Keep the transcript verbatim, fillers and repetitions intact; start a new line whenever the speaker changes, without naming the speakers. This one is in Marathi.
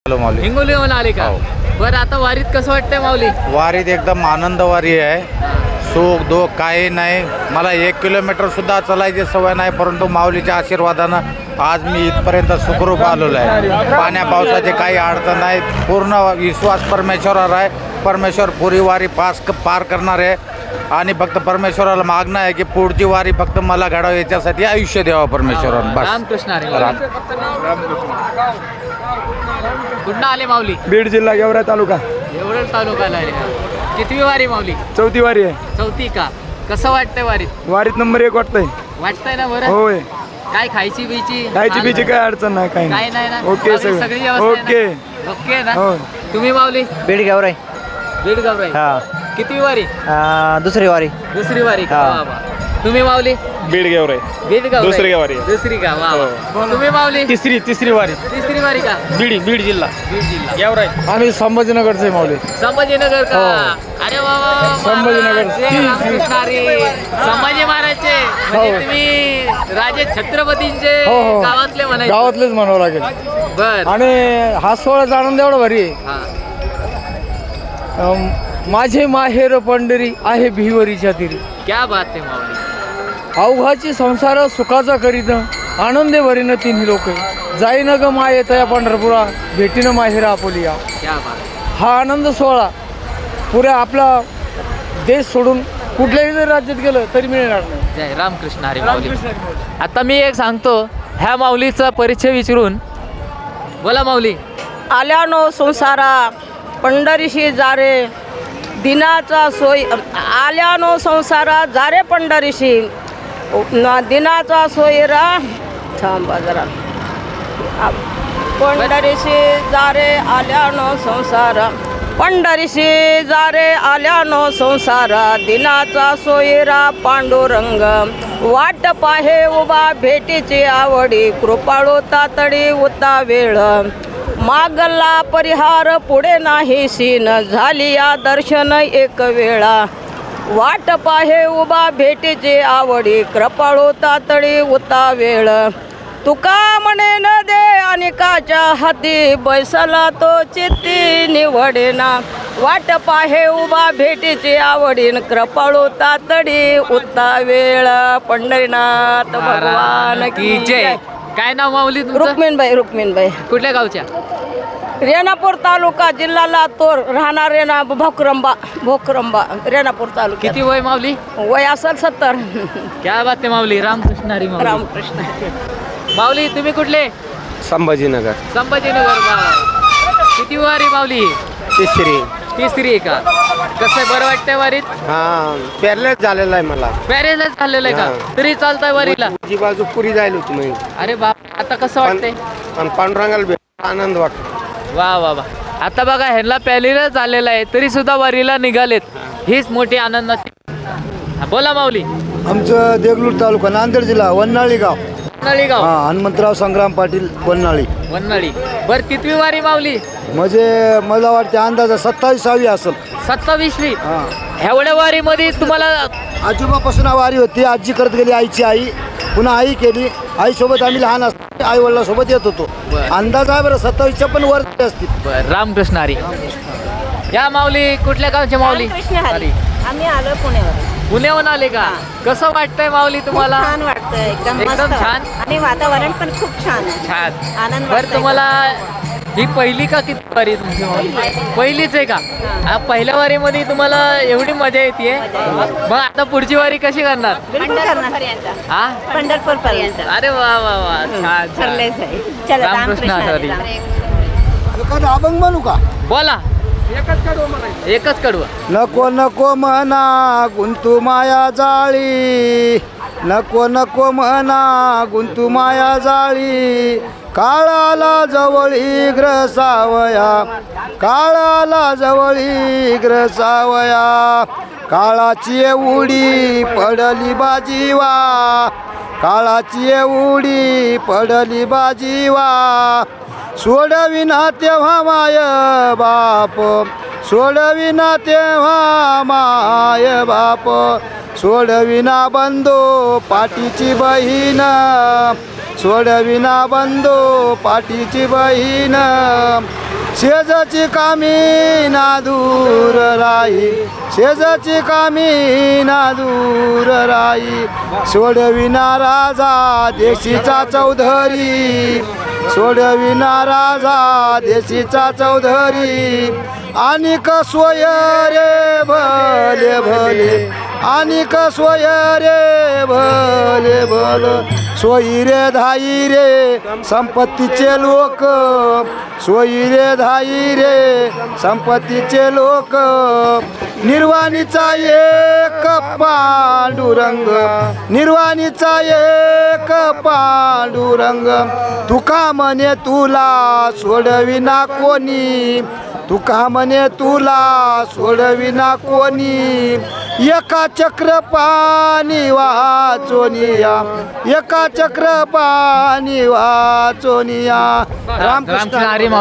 माऊली
हिंगोलीहून आले का?
हो.
बरं, आता वारीत कसं वाटतंय माऊली?
वारीत एकदम आनंद वारी आहे. सुख दुःख काही नाही. मला एक किलोमीटर सुद्धा चालायची सवय नाही, परंतु माऊलीच्या आशीर्वादानं आज मी इथपर्यंत सुखरूप आलेलो आहे. पाण्या पावसाचे काही अडचण नाही. पूर्ण विश्वास परमेश्वरावर आहे. परमेश्वर पुरी वारी पास पार करणार आहे आणि फक्त परमेश्वराला मागणं आहे की पुढची वारी फक्त मला घडावं, याच्यासाठी आयुष्य द्यावं परमेश्वरानं. बस.
रामकृष्ण हरी.
राम.
कुठं आले माऊली?
बीड जिल्हा गेवरा तालुका.
एवढं तालुक्याला आले का? कितवी वारी माऊली?
चौथी वारी आहे.
चौथी का? कसं वाटतंय वारीत?
वारीत नंबर एक वाटतंय.
वाटतंय ना बरं?
होय.
काय खायची बियची?
खायची पिची काय अडचण नाही, काही
काय नाही ना?
ओके
सगळी
सगळं
व्यवस्था
ओके.
आहे ना? ओके ना?
हो.
तुम्ही माऊली?
बीड गेवराई.
बीड गावराई.
हा
कितवी वारी?
अं, दुसरी वारी.
दुसरी वारी का?
हा.
वा वा. तुम्ही माऊली?
बीड गेवराई.
बीड गावराई.
दुसरी वारी.
दुसरी का? वा वा. तुम्ही माऊली?
तिसरी तिसरी वारी.
तिसरी वारी का?
बीड बीड जिल्हा
बीड जिल्हा.
गेवराई. आम्ही संभाजीनगरचे माऊली.
संभाजीनगर का? अरे वा वा वा.
संभाजीनगर.
जय रामकृष्ण हरी. संभाजी महाराजचे म्हणजे तुम्ही राजे छत्रपतींचे
हो, हो.
गावातले म्हणायचे.
गावातलेच म्हणावं लागेल.
बर.
आणि हा सोहळाचा आनंद एवढा भारी आहे.
हा.
अं, माझे माहेर पंढरी आहे भिवरीच्या तिरी.
क्या बात आहे माऊली.
अवघाची संसार सुखाचा करीत आनंदे भरीन तिन्ही लोक. जाईन ग माये तया पंढरपुरा भेटीनं माहेरा आपोलिया.
क्या बात.
हा आनंद सोहळा पुऱ्या आपला देश सोडून कुठल्याही जर राज्यात गेलं तरी मिळणार नाही.
जय रामकृष्ण हरी माऊली. आता मी एक सांगतो, ह्या माऊलीचा परिचय विचारून. बोला माऊली.
आल्यानो संसारा पंढरीशी जारे दिनाचा सोय आल्यानो संसारा जारे पंढरीशी न दिनाचा सोयरा थांबा जरा पंढरीशी जारे आल्यानो संसारा पंढरीशी जारे आल्यानो संसारा दिनाचा सोयरा पांडुरंग वाट पाहे उभा भेटीची आवडी कृपाळू तातडी उता वेळ मागला परिहार पुढे नाही सीन झाली या दर्शन एक वेळा वाट पाहे उभा भेटीची आवडी कृपाळू तातडी उता वेळ तुका म्हणे न दे अनेकाच्या हाती बैसला तो चित्ती निवडेना वाट पाहे उभा भेटीची आवडीन कृपाळू तातडी उता वेळ पंढरीनाथ भगवान की जय.
काय नाव माऊली तुमचं?
रुक्मिणबाई रुक्मिणबाई
कुठल्या गावच्या?
रेणापूर तालुका जिल्हा लातूर राहणार रेणा भोकरंबा भोकरंबा रेणापूर तालुका.
किती वय माऊली?
वय असेल सत्तर.
क्या बात आहे माऊली. रामकृष्ण हरी माऊली.
रामकृष्ण.
माऊली तुम्ही कुठले?
संभाजीनगर.
संभाजीनगर. वा. किती वारी माऊली?
तिसरी.
तिसरी आहे का? कसं आहे, बरं वाटतंय वारीत?
हा पॅरलेस झालेला आहे मला.
पॅरेलाच झालेलं आहे का? तरी चालतंय वारीला?
जी बाजू पुरी जायला होती मी.
अरे बाप, आता कसं वाटतंय?
पण पांडुरंगाला भेट आनंद वाटतो.
वा वा वा. आता बघा, ह्यांना पॅलीला झालेलं आहे तरी सुद्धा वारीला निघालेत. हीच मोठी आनंदाची. हा, बोला माऊली.
आमचं देगलूर तालुका नांदेड जिल्हा वन्हाळी गाव.
वन्हाळी गाव.
हा हनुमंतराव संग्राम पाटील वन्हाळी.
वन्हाळी. बर, कितवी वारी माऊली?
म्हणजे मला वाटते अंदाजा सत्तावीसावी असेल.
सत्तावीसवी.
हा
एवढ्या वारीमध्ये तुम्हाला
आजोबापासून वारी होती. आजी करत गेली, आईची आई, पुन्हा आई केली. आईसोबत आम्ही लहान असतो आई वडिलांसोबत येत होतो.
बरं.
अंदाज आहे बरं सत्तावीसच्या पण वर असतील.
बर. रामकृष्ण हरी. या माऊली कुठल्या गावच्या माऊली?
हरी. आम्ही आलो पुण्यावर.
पुण्याहून आले का? कसं वाटतंय माऊली तुम्हाला?
छान वाटतं एकदम
एकदम
मस्त.
छान.
आणि वातावरण पण खूप छान आहे.
छान.
आनंद
बर,
वाटतोय.
तुम्हाला ही पहिली का किती वारी तुमची माऊली? पहिलीच आहे का? हा, पहिल्या वारीमध्ये तुम्हाला एवढी मजा येते. मग आता पुढची वारी कशी करणार?
पंढरपूरपर्यंत.
हा,
पंढरपूर पर्यंत
अरे वा वा वा. छान छान.
ठरलेच आहे. चला
रामकृष्ण हरी.
एखादा अभंग म्हणू का?
बोला. एकच कडवं.
नको नको म्हणा गुंतू माया जाळी, नको नको म्हणा गुंतू माया जाळी, काळाला जवळी ग्रसावया, काळाला जवळी ग्रसावया, काळाची उडी पडली बाजीवा, काळाची उडी पडली बाजीवा, सोडविना तेव्हा माय बाप, सोडविना तेव्हा माय बाप, सोडविना बंधू पाठीची बहीण, सोडविना बंधू पाठीची बहीण, शेजाची कामी ना दूर राई शेजाची कामी ना दूर राई सोडविना राजा देशीचा चौधरी सोडविना राजा देशीचा चौधरी आणि कसोय रे भले भले आणि कसोय रे भले भल सोयी रे धाई रे संपत्तीचे लोक सोयी रे धाई रे संपत्तीचे लोक निर्वाणीचा एक पांडुरंग निर्वाणीचा एक पांडुरंग तुका म्हणे तुला सोडविना कोणी तुका म्हणे तुला सोडविना कोणी एका चक्र पाणी वाचोनिया एका चक्र पाणी वाचोनिया
रामकृष्ण हरी.